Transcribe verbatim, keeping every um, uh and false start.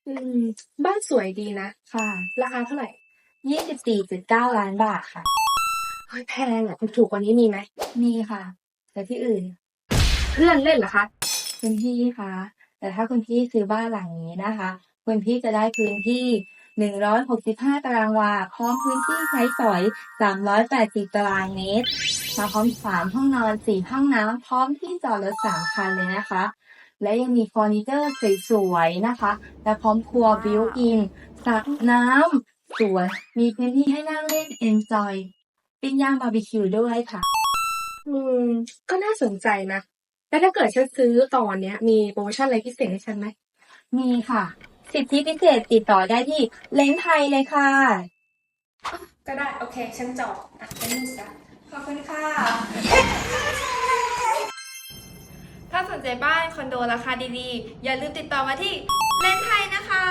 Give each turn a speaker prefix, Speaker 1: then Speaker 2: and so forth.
Speaker 1: อืมบ้านสวยดีนะ
Speaker 2: ค่ะ
Speaker 1: ราคาเท่าไหร่
Speaker 2: ยี่สิบสี่จุดเก้าล้านบาทค่ะ
Speaker 1: เฮ้ยแพงอ่ะถูกกว่านี้มีไหม
Speaker 2: มีค่ะ แต่ที่อื่น
Speaker 1: เพื่อนเล่นเหรอคะ
Speaker 2: คุณพี่คะแต่ถ้าคุณพี่ซื้อบ้านหลังนี้นะคะคุณพี่จะได้พื้นที่หนึ่งร้อยหกสิบห้าตารางวาพร้อมพื้นที่ใช้สอยสามร้อยแปดสิบตารางเมตรมาพร้อมสามห้องนอนสี่ห้องน้ำพร้อมที่จอดรถสามคันเลยนะคะและยังมีเฟอร์นิเจอร์สวยๆนะคะและพร้อมครัวบิวอินสระน้ำสวนมีพื้นที่ให้นั่งเล่นเอนจอยปิ้งย่างบาร์บีคิวด้วยค่ะ
Speaker 1: อืมก็น่าสนใจนะแล้วถ้าเกิดฉันซื้อตอนเนี้ยมีโปรโมชั่นอะไรพิเศษให้ฉันไหม
Speaker 2: มีค่ะสิทธิพิเศษติดต่อได้ที่เล้งไทยเลยค่ะ
Speaker 1: ก็ได้โอเคฉันจองอ่ะฉันนี่ซะ
Speaker 2: ขอบคุณค่ะ
Speaker 3: ถ้าสนใจบ้านคอนโดราคาดีๆ อย่าลืมติดต่อมาที่เลนไทยนะคะ